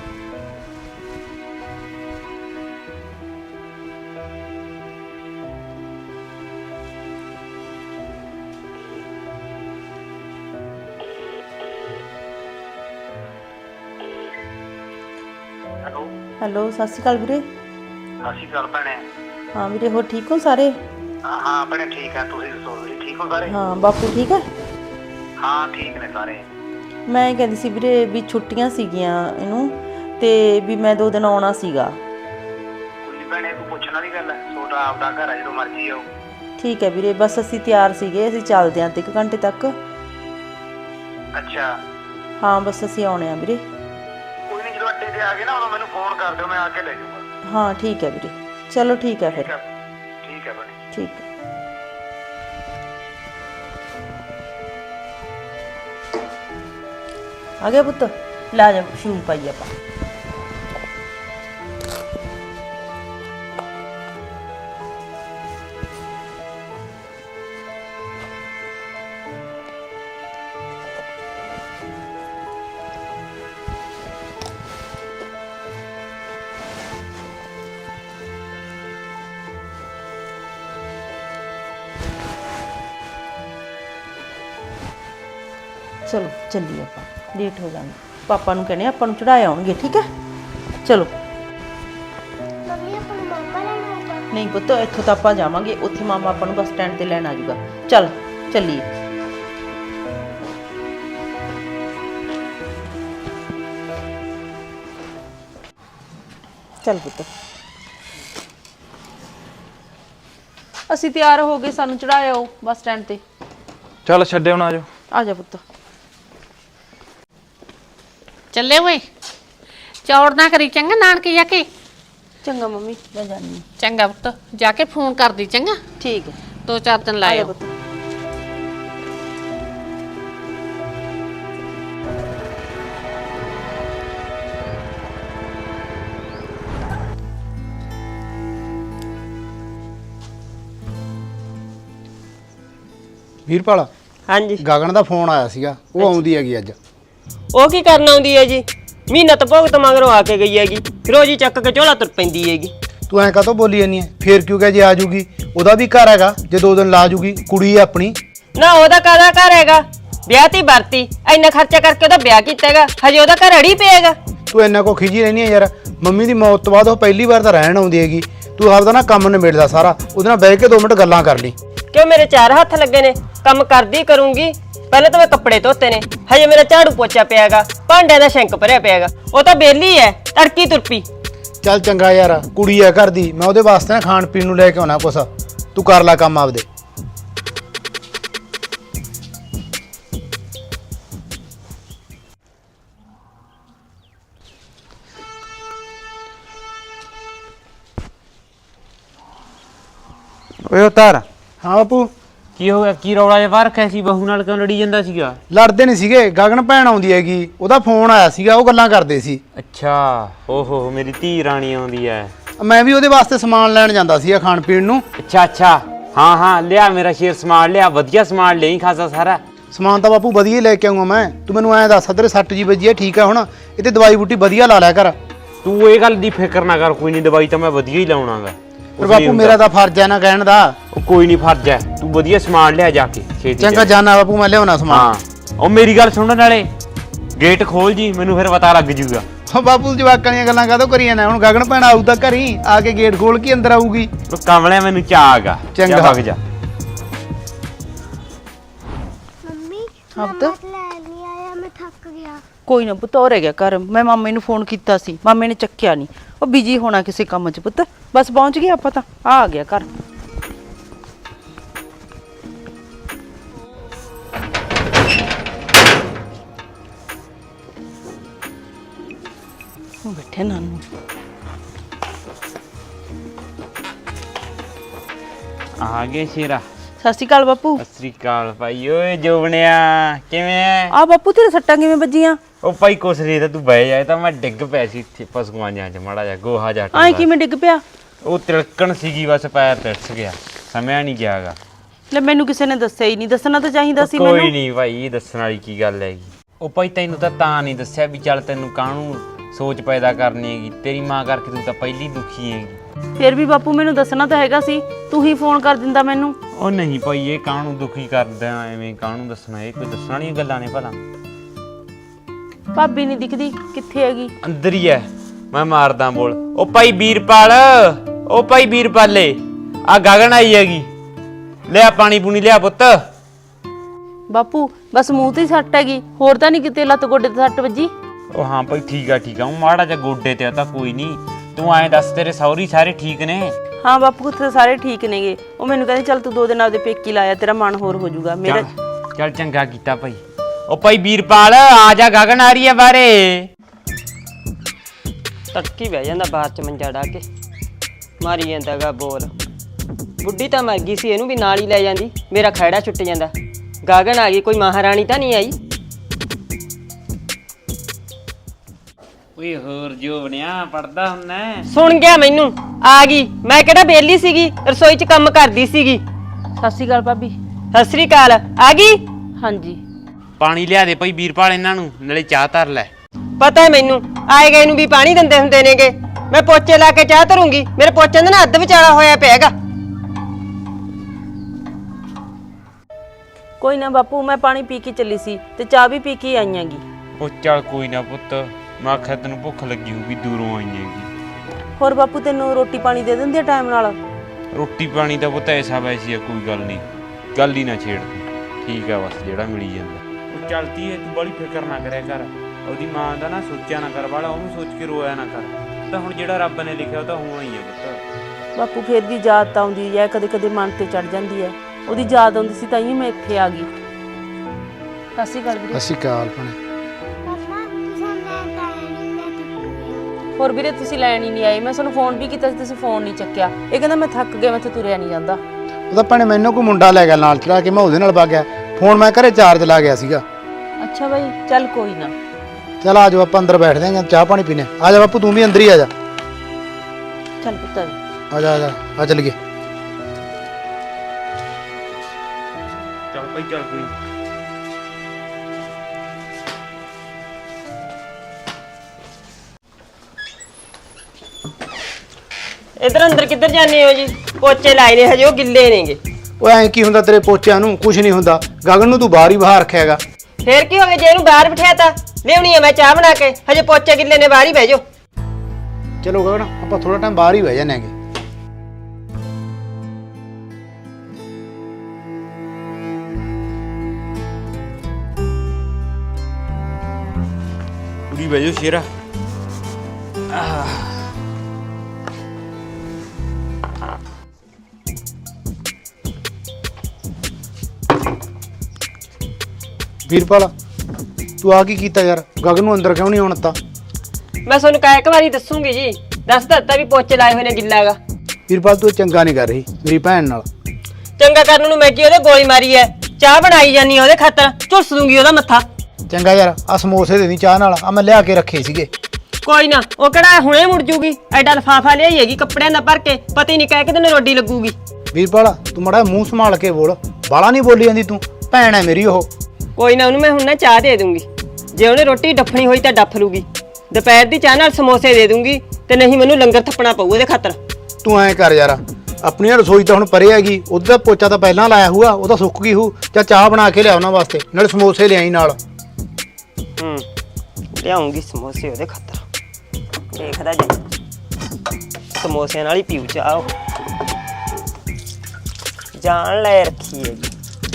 Speaker 2: ਹੈਲੋ, ਸਤਿ ਸ਼੍ਰੀ ਅਕਾਲ ਵੀਰੇ।
Speaker 6: ਸਤਿ ਸ਼੍ਰੀ ਅਕਾਲ ਭੈਣੇ।
Speaker 2: ਹਾਂ ਵੀਰੇ, ਹੋਰ ਠੀਕ ਹੋ ਸਾਰੇ?
Speaker 6: ਹਾਂ ਭੈਣੇ ਠੀਕ ਆ, ਤੁਸੀਂ ਦੱਸੋ ਵੀਰੇ ਠੀਕ ਹੋ ਸਾਰੇ?
Speaker 2: ਹਾਂ ਬਾਪੂ ਠੀਕ ਹੈ?
Speaker 6: ਹਾਂ ਠੀਕ ਨੇ ਸਾਰੇ।
Speaker 2: ਮੈਂ ਕਹਿੰਦੀ ਸੀ ਵੀਰੇ ਵੀ ਛੁੱਟੀਆਂ ਸੀਗੀਆਂ ਇਹਨੂੰ, ਤੇ ਵੀ ਮੈਂ 2 ਦਿਨ ਆਉਣਾ ਸੀਗਾ।
Speaker 6: ਕੋਈ ਨਹੀਂ ਭੈਣੇ, ਤੂੰ ਪੁੱਛਣ ਵਾਲੀ ਗੱਲ ਹੈ, ਤੁਹਾਡਾ ਆਪਦਾ ਘਰ ਹੈ, ਜਦੋਂ ਮਰਜ਼ੀ ਆਓ।
Speaker 2: ਠੀਕ ਹੈ ਵੀਰੇ, ਬਸ ਅਸੀਂ ਤਿਆਰ ਸੀਗੇ, ਅਸੀਂ ਚੱਲਦੇ ਹਾਂ 1 ਘੰਟੇ ਤੱਕ।
Speaker 6: ਅੱਛਾ
Speaker 2: ਹਾਂ ਬਸ ਅਸੀਂ ਆਉਣੇ ਆ ਵੀਰੇ।
Speaker 6: ਕੋਈ ਨਹੀਂ, ਜਦੋਂ ਅੱਡੇ ਤੇ ਆ ਗਏ ਨਾ ਉਦੋਂ ਮੈਨੂੰ ਫੋਨ ਕਰ ਦਿਓ, ਮੈਂ ਆ ਕੇ ਲੈ ਜਾਊਂਗਾ।
Speaker 2: ਹਾਂ ਠੀਕ ਹੈ ਵੀਰੇ, ਚਲੋ ਠੀਕ ਹੈ ਫਿਰ।
Speaker 6: ਠੀਕ ਹੈ ਭੈਣੇ।
Speaker 2: ਠੀਕ ਹੈ। ਆ ਗਿਆ ਪੁੱਤ, ਲੈ ਜਾ ਸ਼ੂਜ਼ ਪਾਈਏ ਆਪਾਂ। ਚਲੋ ਚੱਲੀਏ ਆਪਾਂ, ਲੇਟ ਹੋ ਜਾਣਾ। ਪਾਪਾ ਨੂੰ ਕਹਿੰਦੇ ਆਪਾਂ ਨੂੰ ਚੜਾਏ ਆਉਣਗੇ, ਠੀਕ ਹੈ? ਚਲੋ।
Speaker 7: ਮੰਮੀ ਆਪਾਂ ਨੂੰ ਮਾਮਾ ਲੈਣ ਆਊਗਾ?
Speaker 2: ਨਹੀਂ ਪੁੱਤ, ਇੱਥੋਂ ਤਾਂ ਆਪਾਂ ਜਾਵਾਂਗੇ, ਉੱਥੇ ਮਾਮਾ ਆਪਾਂ ਨੂੰ ਬੱਸ ਸਟੈਂਡ ਤੇ ਲੈਣ ਆ ਜਾਊਗਾ। ਚੱਲ ਚੱਲੀਏ। ਚੱਲ ਪੁੱਤ। ਅਸੀਂ ਤਿਆਰ ਹੋ ਗਏ, ਸਾਨੂੰ ਚੜਾਇਓ ਬੱਸ ਸਟੈਂਡ ਤੇ।
Speaker 8: ਚੱਲ ਛੱਡੇ ਹੁਣ ਆਜੋ।
Speaker 2: ਆ ਜਾ ਪੁੱਤ।
Speaker 5: ਚੱਲੇ ਓਏ, ਚੌੜ ਨਾ ਕਰੀ ਚੰਗਾ ਨਾਨਕੇ ਜਾ ਕੇ।
Speaker 2: ਚੰਗਾ ਮੰਮੀ, ਮੈਂ ਜਾਣੀ।
Speaker 5: ਚੰਗਾ ਪੁੱਤ, ਜਾ ਕੇ ਫੋਨ ਕਰਦੀ ਚੰਗਾ।
Speaker 2: ਠੀਕ ਹੈ।
Speaker 5: 2-4 ਦਿਨ
Speaker 2: ਆ ਜਾ
Speaker 5: ਲਾਇਓ।
Speaker 2: ਪੁੱਤ।
Speaker 4: ਵੀਰਪਾਲ,
Speaker 3: ਹਾਂਜੀ
Speaker 4: ਗਗਨ ਦਾ ਫੋਨ ਆਇਆ ਸੀਗਾ, ਉਹ ਆਉਂਦੀ ਹੈਗੀ ਅੱਜ।
Speaker 3: ਉਹ ਕੀ ਕਰਨ ਆਉਂਦੀ ਹੈ ਜੀ? ਮਹੀਨਾ ਤਾਂ ਭੁਗਤ ਮਗਰੋਂ ਆ ਕੇ ਗਈ ਹੈਗੀ, ਰੋਜ਼ ਹੀ ਚੱਕ ਕੇ ਝੋਲਾ ਤੁਰ ਪੈਂਦੀ ਹੈਗੀ।
Speaker 4: ਤੂੰ ਐਂ ਕਾਹਤੋਂ ਬੋਲੀ ਜਾਂਦੀ ਹੈ? ਫੇਰ ਕਿਉਂ ਕਹੇ ਜੇ ਆ ਜੂਗੀ? ਉਹਦਾ ਵੀ ਘਰ ਹੈਗਾ, ਜੇ 2 ਦਿਨ ਲਾ ਜੂਗੀ। ਕੁੜੀ ਹੈ ਆਪਣੀ।
Speaker 3: ਨਾ ਉਹਦਾ ਕਾਹਦਾ ਘਰ ਹੈਗਾ? ਵਿਆਹ ਤੀ ਵਰਤੀ, ਇੰਨਾ ਖਰਚਾ ਕਰਕੇ ਉਹਦਾ ਵਿਆਹ ਕੀਤਾ ਹੈਗਾ, ਹਜੇ ਉਹਦਾ ਘਰ ਅੜੀ ਪਿਆਗਾ।
Speaker 4: ਤੂੰ ਇੰਨਾ ਕੋ ਖਿਜੀ ਰਹਿੰਦੀ ਹੈ ਯਾਰ। ਮੰਮੀ ਦੀ ਮੌਤ ਤੋਂ ਬਾਅਦ ਉਹ ਪਹਿਲੀ ਵਾਰ ਤਾਂ ਰਹਿਣ ਆਉਂਦੀ ਹੈਗੀ। ਤੂੰ ਆਪਦਾ ਨਾ ਕੰਮ ਨਿਬੇੜਦਾ ਸਾਰਾ, ਉਹਦੇ ਨਾਲ ਬਹਿ ਕੇ 2 ਮਿੰਟ ਗੱਲਾਂ ਕਰ ਲਈ।
Speaker 3: ਕਿਉਂ ਮੇਰੇ 4 ਹੱਥ ਲੱਗੇ ਨੇ, ਕੰਮ ਕਰਦੀ ਕਰੂੰਗੀ। ਪਹਿਲਾਂ ਤਾਂ ਮੈਂ ਕੱਪੜੇ ਧੋਤੇ ਨੇ, ਹਜੇ ਮੇਰਾ ਝਾੜੂ ਪੋਚਾ ਪਿਆਗਾ, ਭਾਂਡਿਆਂ ਦਾ ਸ਼ੈਂਕ ਭਰਿਆ ਪਿਆਗਾ। ਉਹ ਤਾਂ ਬੇਲੀ ਐ, ਤੜਕੀ ਤੁਰਪੀ।
Speaker 4: ਚੱਲ ਚੰਗਾ ਯਾਰ, ਕੁੜੀ ਹੈ ਘਰ ਦੀ, ਮੈਂ ਉਹਦੇ ਵਾਸਤੇ ਨਾ ਖਾਣ ਪੀਣ ਨੂੰ ਲੈ ਕੇ ਆਉਣਾ ਕੁਛ। ਤੂੰ ਕਰ ਲੈ ਕੰਮ ਆਪਦੇ।
Speaker 8: ਓਏ ਉਤਾਰ।
Speaker 4: ਹਾਂ ਬਾਪੂ।
Speaker 1: ਕੀ ਹੋ ਗਿਆ? ਕੀ ਰੌਲਾ ਜਿਹਾ ਬਾਹਰ ਰੱਖਿਆ ਸੀ? ਬਹੂ ਨਾਲ ਕਿਉਂ ਲੜੀ ਜਾਂਦਾ ਸੀਗਾ?
Speaker 4: ਲੜਦੇ ਨਹੀਂ ਸੀਗੇ, ਗਗਨ ਭੈਣ ਆਉਂਦੀ ਹੈਗੀ, ਉਹਦਾ ਫੋਨ ਆਇਆ ਸੀਗਾ, ਉਹ ਗੱਲਾਂ ਕਰਦੇ ਸੀ।
Speaker 1: ਅੱਛਾ, ਓਹੋ ਮੇਰੀ ਧੀ ਰਾਣੀ ਆਉਂਦੀ ਐ।
Speaker 4: ਮੈਂ ਵੀ ਉਹਦੇ ਵਾਸਤੇ ਸਮਾਨ ਲੈਣ ਜਾਂਦਾ ਸੀਗਾ, ਖਾਣ ਪੀਣ ਨੂੰ।
Speaker 1: ਅੱਛਾ, ਹਾਂ ਹਾਂ, ਲਿਆ ਮੇਰਾ ਸ਼ੇਰ ਸਮਾਨ ਲਿਆ, ਵਧੀਆ ਸਮਾਨ ਲਈ ਖਾਸਾ ਸਾਰਾ।
Speaker 4: ਸਮਾਨ ਤਾਂ ਬਾਪੂ ਵਧੀਆ ਹੀ ਲੈ ਕੇ ਆਉਂਗਾ ਮੈਂ। ਤੂੰ ਮੈਨੂੰ ਐਂ ਦੱਸ, ਤੇਰੇ ਸੱਟ ਜੀ ਵੱਜੀ ਹੈ, ਠੀਕ ਹੈ ਹੁਣ? ਇਹ ਤੇ ਦਵਾਈ ਬੂਟੀ ਵਧੀਆ ਲਾ ਲਿਆ ਕਰ।
Speaker 1: ਤੂੰ ਇਹ ਗੱਲ ਦੀ ਫਿਕਰ ਨਾ ਕਰ, ਕੋਈ ਨਹੀਂ, ਦਵਾਈ ਤਾਂ ਮੈਂ ਵਧੀਆ ਹੀ ਲਾਉਣਾਗਾ।
Speaker 4: ਪਰ ਬਾਪੂ ਮੇਰਾ ਤਾਂ ਫਰਜ਼ ਹੈ ਨਾ ਕਹਿਣ ਦਾ।
Speaker 1: ਉਹ ਕੋਈ ਨਹੀਂ, ਫਰਜ਼ ਹੈ, ਤੂੰ ਵਧੀਆ ਸਮਾਨ ਲਿਆ ਜਾ ਕੇ ਛੇਤੀ।
Speaker 4: ਚੰਗਾ ਜਾਨਾ ਬਾਪੂ, ਮੈਂ ਲਿਆਉਣਾ ਸਮਾਨ।
Speaker 1: ਹਾਂ, ਉਹ ਮੇਰੀ ਗੱਲ ਸੁਣਨ ਵਾਲੇ, ਗੇਟ ਖੋਲ ਜੀ, ਮੈਨੂੰ ਫਿਰ ਪਤਾ ਲੱਗ ਜੂਗਾ।
Speaker 4: ਉਹ ਬਾਪੂ ਜਵਾਕਾਂ ਦੀਆਂ ਗੱਲਾਂ ਕਾਹਤੋਂ ਕਰੀ ਜਾਂਦਾ? ਹੁਣ ਗਗਨ ਭੈਣ ਆਊ ਤਾਂ ਘਰੀ, ਆ ਕੇ ਗੇਟ ਖੋਲ ਕੇ ਅੰਦਰ ਆਊਗੀ।
Speaker 1: ਉਹ ਕਮਲਿਆ, ਮੈਨੂੰ ਚਾਹਗਾ।
Speaker 4: ਚੰਗਾ।
Speaker 1: ਵਗ ਜਾ।
Speaker 7: ਮੰਮੀ
Speaker 2: ਹਾਂ ਪੁੱਤ।
Speaker 7: ਮਾਮਾ ਲੈ ਨਹੀਂ ਆਇਆ, ਮੈਂ ਥੱਕ ਗਿਆ।
Speaker 2: ਕੋਈ ਨਾ ਪੁੱਤ, ਹੋ ਰਹਿ ਗਿਆ ਘਰ। ਮੈਂ ਮਾਮੇ ਨੂੰ ਫੋਨ ਕੀਤਾ ਸੀ, ਮਾਮੇ ਨੇ ਚੱਕਿਆ ਨਹੀਂ। ਉਹ ਬਿਜੀ ਹੋਣਾ ਕਿਸੇ ਕੰਮ 'ਚ ਪੁੱਤ। ਬਸ ਪਹੁੰਚ ਗਏ ਆਪਾਂ ਤਾਂ, ਆ ਗਿਆ ਘਰ। ਉਹ ਬੈਠੇ ਨਾਨੂ।
Speaker 1: ਆ ਗਏ ਸ਼ੇਰਾ।
Speaker 2: ਸਤਿ ਸ਼੍ਰੀ ਅਕਾਲ ਬਾਪੂ।
Speaker 1: ਸਤਿ ਸ੍ਰੀ ਅਕਾਲ ਭਾਈ। ਓਏ ਜੋਬਣਿਆ, ਕਿਵੇਂ ਐ?
Speaker 2: ਆ ਬਾਪੂ, ਤੇਰੇ ਸੱਟਾਂ ਕਿਵੇਂ ਵੱਜੀਆਂ?
Speaker 1: ਉਹ ਭਾਈ ਕੁਛ ਨਹੀਂ, ਤਾਂ ਤੂੰ ਬਹਿ ਜਾਏ। ਤਾਂ ਮੈਂ ਡਿੱਗ ਪਿਆ ਸੀ ਇੱਥੇ ਪਸ਼ੂਆਂ ਜਾਂ ਚ, ਮਾੜਾ ਜਿਹਾ ਗੋਹਾ ਜਾ
Speaker 2: ਆਏ ਕਿਵੇਂ ਡਿੱਗ ਪਿਆ?
Speaker 1: ਉਹ ਤਿਲਕਣ ਸੀਗੀ, ਬਸ ਪੈਰ ਤਿਲਸ ਗਿਆ, ਸਮਿਆ ਨਹੀਂ ਗਿਆਗਾ।
Speaker 2: ਲੈ ਮੈਨੂੰ ਕਿਸੇ ਨੇ ਦੱਸਿਆ ਹੀ ਨਹੀਂ, ਦੱਸਣਾ ਤਾਂ ਚਾਹੀਦਾ ਸੀ
Speaker 1: ਕੋਈ
Speaker 2: ਮੈਨੂੰ।
Speaker 1: ਨਹੀਂ ਭਾਈ, ਦੱਸਣ ਵਾਲੀ ਕੀ ਗੱਲ ਹੈਗੀ। ਉਹ ਭਾਈ ਤੈਨੂੰ ਤਾਂ ਨਹੀਂ ਦੱਸਿਆ ਵੀ ਚੱਲ ਤੈਨੂੰ ਕਾਹਨੂੰ ਸੋਚ ਪੈਦਾ ਕਰਨੀ ਹੈਗੀ। ਤੇਰੀ ਮਾਂ ਕਰਕੇ ਤੂੰ ਤਾਂ ਪਹਿਲੀ ਦੁਖੀ ਹੈਗੀ।
Speaker 2: ਫਿਰ ਵੀ ਬਾਪੂ ਮੈਨੂੰ ਦੱਸਣਾ ਤਾਂ ਹੈਗਾ ਸੀ, ਤੂੰ ਹੀ ਫੋਨ ਕਰ ਦਿੰਦਾ ਮੈਨੂੰ।
Speaker 1: ਉਹ ਨਹੀਂ ਭਾਈ, ਇਹ ਕਾਹਨੂੰ ਦੁਖੀ ਕਰਦਾ ਐਵੇਂ? ਕਾਹਨੂੰ ਦੱਸਣਾ? ਇਹ ਕੋਈ ਦੱਸਣ ਵਾਲੀਆਂ ਗੱਲਾਂ ਨੇ ਭਲਾ?
Speaker 2: ਭਾਬੀ ਨਹੀਂ ਦਿਖਦੀ, ਕਿੱਥੇ ਹੈਗੀ?
Speaker 1: ਅੰਦਰ ਹੀ ਐ, ਮੈਂ ਮਾਰਦਾ ਬੋਲ। ਉਹ ਭਾਈ ਵੀਰਪਾਲ, ਉਹ ਭਾਈ ਵੀਰਪਾਲੇ, ਆ ਗਗਨ ਆਈ ਹੈਗੀ, ਲਿਆ ਪਾਣੀ ਪੂਣੀ ਲਿਆ ਪੁੱਤ।
Speaker 2: ਬਾਪੂ ਬਸ ਮੂੰਹ ਤੇ ਹੀ ਸੱਟ ਹੈਗੀ, ਹੋਰ ਤਾਂ ਨਹੀਂ ਕਿਤੇ ਲੱਤ ਗੋਡੇ ਤੇ ਸੱਟ ਵੱਜੀ?
Speaker 1: ਉਹ ਹਾਂ ਭਾਈ, ਠੀਕ ਆ ਠੀਕ ਆ, ਉਹ ਮਾੜਾ ਜਿਹਾ ਗੋਡੇ ਤੇ ਆ ਤਾਂ ਕੋਈ ਨਹੀਂ। ਤੂੰ ਐਂ ਦੱਸ, ਤੇਰੇ ਸਹੁਰੀ ਸਾਰੇ ਠੀਕ ਨੇ?
Speaker 2: ਹਾਂ ਬਾਪੂ, ਉੱਥੇ ਸਾਰੇ ਠੀਕ ਨੇਗੇ। ਉਹ ਮੈਨੂੰ ਕਹਿੰਦੇ ਚੱਲ ਤੂੰ 2 ਦਿਨ ਆਪਦੇ ਪੇਕੀ ਲਾਇਆ, ਤੇਰਾ ਮਨ ਹੋਰ ਹੋ ਜਾਊਗਾ ਮੇਰਾ।
Speaker 1: ਚੱਲ ਚੰਗਾ ਕੀਤਾ ਭਾਈ। ਉਹ ਭਾਈ ਵੀਰਪਾਲ, ਆ ਜਾ, ਗਗਨ ਆ ਰਹੀ ਹੈ ਬਾਰੇ।
Speaker 3: ਤੜਕੀ ਬਹਿ ਜਾਂਦਾ ਬਾਹਰ ਚ ਮੰਜਾ ਡਾ ਕੇ, ਮਾਰੀ ਜਾਂਦਾਗਾ ਬੋਲ। ਬੁੱਢੀ ਤਾਂ ਮਰ ਗਈ ਸੀ, ਇਹਨੂੰ ਵੀ ਨਾਲ ਹੀ ਲੈ ਜਾਂਦੀ, ਮੇਰਾ ਖੈੜਾ ਛੁੱਟ ਜਾਂਦਾ। ਗਗਨ ਆ ਗਈ, ਕੋਈ ਮਹਾਰਾਣੀ ਤਾਂ ਨਹੀਂ ਆਈ?
Speaker 1: ਓਏ ਹੋਰ ਜੋ ਬਣਿਆ, ਪੜਦਾ ਹੁੰਨਾ?
Speaker 3: ਸੁਣ ਗਿਆ ਮੈਨੂੰ, ਆ ਗਈ। ਮੈਂ ਕਿਹੜਾ ਬੇਲੀ ਸੀਗੀ, ਰਸੋਈ 'ਚ ਕੰਮ ਕਰਦੀ ਸੀਗੀ।
Speaker 2: ਸਤਿ ਸ਼੍ਰੀ ਅਕਾਲ ਭਾਬੀ।
Speaker 3: ਸਤਿ ਸ੍ਰੀ ਅਕਾਲ। ਆ ਗਈ?
Speaker 2: ਹਾਂਜੀ।
Speaker 1: ਪਾਣੀ ਲਿਆ ਦੇ ਭਾਈ ਵੀਰਪਾਲ ਇਹਨਾਂ ਨੂੰ, ਨਾਲੇ ਚਾਹ ਧਰ ਲੈ।
Speaker 3: ਪਤਾ ਹੈ ਮੈਨੂੰ, ਆਏ ਗਏ ਨੂੰ ਵੀ ਪਾਣੀ ਦਿੰਦੇ ਹੁੰਦੇ ਨੇਗੇ। ਮੈਂ ਪੋਚੇ ਲਾ ਕੇ ਚਾਹ ਧਰੂੰਗੀ, ਮੇਰੇ ਪੋਚੇ ਦਾ ਨਾ ਅੱਧ ਵਿਚਾਲਾ ਹੋਇਆ ਪਿਆ ਹੈਗਾ।
Speaker 2: ਕੋਈ ਨਾ ਬਾਪੂ, ਮੈਂ ਪਾਣੀ ਪੀ ਕੇ ਚੱਲੀ ਸੀ ਤੇ ਚਾਹ ਵੀ ਪੀ ਕੇ ਆਈ ਆਂਗੀ।
Speaker 1: ਉਹ ਚੱਲ ਕੋਈ ਨਾ ਪੁੱਤ, ਮੈਂ ਆਖਿਆ ਤੈਨੂੰ ਭੁੱਖ ਲੱਗੀ ਹੋਊਗੀ, ਦੂਰੋਂ ਆਈ ਹੈਗੀ।
Speaker 2: ਹੋਰ ਬਾਪੂ, ਤੈਨੂੰ ਰੋਟੀ ਪਾਣੀ ਦੇ ਦਿੰਦੇ ਆ ਟਾਈਮ ਨਾਲ?
Speaker 1: ਰੋਟੀ ਪਾਣੀ ਦਾ ਪੁੱਤ ਐਸਾ ਵੈਸੀ ਆ, ਕੋਈ ਗੱਲ ਨਹੀਂ, ਗੱਲ ਹੀ ਨਾ ਛੇੜ ਤੂੰ, ਠੀਕ ਆ ਬਸ ਜਿਹੜਾ ਮਿਲੀ ਜਾਂਦਾ। ਉਹ ਚਲਤੀ ਹੈ, ਤੂੰ ਬੜੀ ਫਿਕਰ ਨਾ ਕਰਿਆ ਕਰ। ਉਹਦੀ ਮਾਂ ਦਾ ਨਾ ਸੋਚਿਆ ਨਾ ਕਰ ਵਾਲਾ, ਉਹਨੂੰ ਸੋਚ ਕੇ ਰੋਇਆ ਨਾ ਕਰ।
Speaker 8: ਤਾਂ ਹੁਣ ਜਿਹੜਾ ਰੱਬ ਨੇ ਲਿਖਿਆ ਉਹ ਤਾਂ ਹੋਣਾ ਹੀ ਹੈ ਪੁੱਤ।
Speaker 2: ਬਾਪੂ ਫਿਰ ਵੀ ਯਾਦ ਤਾਂ ਆਉਂਦੀ ਹੈ, ਕਦੇ ਕਦੇ ਮਨ ਤੇ ਚੜ ਜਾਂਦੀ ਹੈ। ਉਹਦੀ ਯਾਦ ਆਉਂਦੀ ਸੀ ਤਾਂ ਹੀ ਮੈਂ ਇੱਥੇ ਆ ਗਈ। ਸਤਿ ਸ਼੍ਰੀ ਅਕਾਲ ਵੀਰੇ।
Speaker 4: ਅਸੀਂ ਕਾਲ ਭੈਣੇ।
Speaker 7: ਪਾਪਾ ਤੁਸੀਂ ਮੈਂ ਤਾਂ ਨਹੀਂ ਮੈਂ ਤਾਂ
Speaker 2: ਹੋਰ ਵੀਰੇ ਤੁਸੀਂ ਲੈਣ ਹੀ ਨਹੀਂ ਆਏ। ਮੈਂ ਤੁਹਾਨੂੰ ਫੋਨ ਵੀ ਕੀਤਾ ਸੀ, ਤੁਸੀਂ ਫੋਨ ਨਹੀਂ ਚੱਕਿਆ। ਇਹ ਕਹਿੰਦਾ ਮੈਂ ਥੱਕ ਗਿਆ, ਮੈਥੋਂ ਤੁਰਿਆ ਨਹੀਂ ਜਾਂਦਾ।
Speaker 4: ਉਹਦਾ ਭੈਣੇ ਮੈਨੂੰ ਕੋਈ ਮੁੰਡਾ ਲੈ ਗਿਆ ਨਾਲ ਚੜਾ ਕੇ, ਮੈਂ ਉਹਦੇ ਨਾਲ ਵਗ ਗਿਆ। ਫੋਨ ਮੈਂ ਘਰੇ ਚਾਰਜ ਲਾ ਗਿਆ ਸੀਗਾ।
Speaker 2: ਅੱਛਾ ਬਾਈ, ਚੱਲ ਕੋਈ ਨਾ।
Speaker 4: ਚਲ ਆ ਜਾਓ ਆਪਾਂ ਅੰਦਰ ਬੈਠਦੇ ਆਂ, ਚਾਹ ਪਾਣੀ ਪੀਨੇ। ਆ ਜਾ ਬਾਪੂ, ਤੂੰ ਵੀ ਅੰਦਰ ਹੀ ਆ ਜਾ।
Speaker 2: ਚੱਲ ਪੁੱਤ
Speaker 4: ਆ ਜਾ ਆ ਚੱਲੀਏ।
Speaker 8: ਚੱਲ ਭਾਈ ਚੱਲ ਕੋਈ
Speaker 3: ਇਧਰ ਅੰਦਰ ਕਿੱਧਰ ਜਾਂਦੇ ਹੋ ਜੀ? ਪੋਚੇ ਲਾਏ ਨੇ ਹਜੇ, ਉਹ ਗਿੱਲੇ ਨੇਗੇ।
Speaker 4: ਓਏ ਐਂ ਕੀ ਹੁੰਦਾ ਤੇਰੇ ਪੋਚਿਆਂ ਨੂੰ? ਕੁਝ ਨਹੀਂ ਹੁੰਦਾ। ਗਗਨ ਨੂੰ ਤੂੰ ਬਾਹਰ ਹੀ ਬਾਹਰ ਰੱਖਿਆ ਹੈਗਾ।
Speaker 3: ਫੇਰ ਕੀ ਹੋ ਗਿਆ ਜੇ ਇਹਨੂੰ ਬਾਹਰ ਬਿਠਾਇਆ ਤਾਂ? ਲਿਆਉਣੀ ਆ ਮੈਂ ਚਾਹ ਬਣਾ ਕੇ, ਹਜੇ ਪੋਚੇ ਗਿੱਲੇ ਨੇ, ਬਾਹਰ ਹੀ ਬਹਿ ਜਾਓ।
Speaker 4: ਚਲੋ ਗਗਨ, ਆਪਾਂ ਥੋੜਾ ਟਾਈਮ ਬਾਹਰ ਹੀ ਬਹਿ ਜਾਂਦੇ ਆਂਗੇ।
Speaker 8: ਪੂਰੀ ਬਹਿ ਜਾਓ ਸ਼ੇਰਾ।
Speaker 4: ਵੀਰਪਾਲ, ਤੂੰ ਆ ਕੀ ਕੀਤਾ ਯਾਰ? ਗਗਨ ਨੂੰ ਅੰਦਰ ਕਿਉਂ ਨਹੀਂ ਆਉਣ ਦਿੱਤਾ?
Speaker 3: ਮੈਂ ਤੁਹਾਨੂੰ ਕਾਇ ਇੱਕ ਵਾਰੀ ਦੱਸੂਗੀ ਜੀ। ਦੱਸ ਦਿੱਤਾ ਵੀ ਪੋਚੇ ਲਾਏ ਹੋਏ ਨੇ, ਗਿੱਲਾ ਹੈਗਾ।
Speaker 4: ਵੀਰਪਾਲ ਤੂੰ ਚੰਗਾ ਨਹੀਂ ਕਰ ਰਹੀ ਮੇਰੀ ਭੈਣ ਨਾਲ।
Speaker 3: ਚੰਗਾ ਕਰਨ ਨੂੰ ਮੈਂ ਕੀ ਉਹਦੇ ਗੋਲੀ ਮਾਰੀ ਐ? ਚਾਹ ਬਣਾਈ ਜਾਨੀ ਆ ਉਹਦੇ ਖਾਤਰ, ਝੁੱਸ ਦੂੰਗੀ ਉਹਦਾ ਮੱਥਾ।
Speaker 4: ਚੰਗਾ ਯਾਰ, ਆ ਸਮੋਸੇ ਦੇ ਦੀ ਚਾਹ ਨਾਲ। ਆ ਮੈਂ ਲਿਆ ਕੇ ਰੱਖੇ ਸੀਗੇ।
Speaker 3: ਕੋਈ ਨਾ, ਉਹ ਕਿਹੜਾ ਹੁਣੇ ਮੁੜ ਜੂਗੀ? ਐਡਾ ਲਫਾਫਾ ਲਿਆਈ ਹੈਗੀ ਕੱਪੜਿਆਂ ਦਾ ਭਰ ਕੇ, ਪਤਾ ਹੀ ਨਹੀਂ ਕਹਿ ਕਿਤੇ ਰੋਡੀ ਲੱਗੂਗੀ।
Speaker 4: ਵੀਰਪਾਲ ਤੂੰ ਮਾੜਾ ਮੂੰਹ ਸੰਭਾਲ ਕੇ ਬੋਲ, ਬਾਲਾ ਨਹੀਂ ਬੋਲੀ ਜਾਂਦੀ ਤੂੰ। ਭੈਣ ਹੈ ਮੇਰੀ ਉਹ।
Speaker 3: ਕੋਈ ਨਾ, ਉਹਨੂੰ ਮੈਂ ਹੁਣ ਨਾ ਚਾਹ ਦੇ ਦੂੰਗੀ। ਜੇ ਉਹਨੇ ਰੋਟੀ ਡੱਫਣੀ ਹੋਈ ਤਾਂ ਡੱਫ ਲੂਗੀ। ਦੁਪਹਿਰ ਦੀ ਚਾਹ ਨਾਲ ਸਮੋਸੇ ਦੇ ਦੂੰਗੀ, ਤੇ ਨਹੀਂ ਮੈਨੂੰ ਲੰਗਰ ਥੱਪਣਾ ਪਊ ਉਹਦੇ ਖਾਤਰ।
Speaker 4: ਤੂੰ ਐਂ ਕਰ ਯਾਰ, ਆਪਣੀ ਰਸੋਈ ਤਾਂ ਹੁਣ ਪਰੇ ਹੈਗੀ, ਉਹਦਾ ਪੋਚਾ ਤਾਂ ਪਹਿਲਾਂ ਲਾਇਆ ਹੋਊਗਾ, ਉਹ ਤਾਂ ਸੁੱਕ ਗਈ ਹੋਊ। ਜਾਂ ਚਾਹ ਬਣਾ ਕੇ ਲਿਆ ਉਹਨਾਂ ਵਾਸਤੇ, ਨਾਲੇ ਸਮੋਸੇ ਲਿਆਈ ਨਾਲ।
Speaker 3: ਲਿਆਉਂਗੀ ਸਮੋਸੇ ਉਹਦੇ ਖਾਤਰ। ਦੇਖਦਾ ਜੀ, ਸਮੋਸਿਆਂ ਨਾਲ ਹੀ ਪੀਊ ਚਾਹ ਉਹ। ਜਾਨ ਲੈ ਰੱਖੀ ਹੈਗੀ।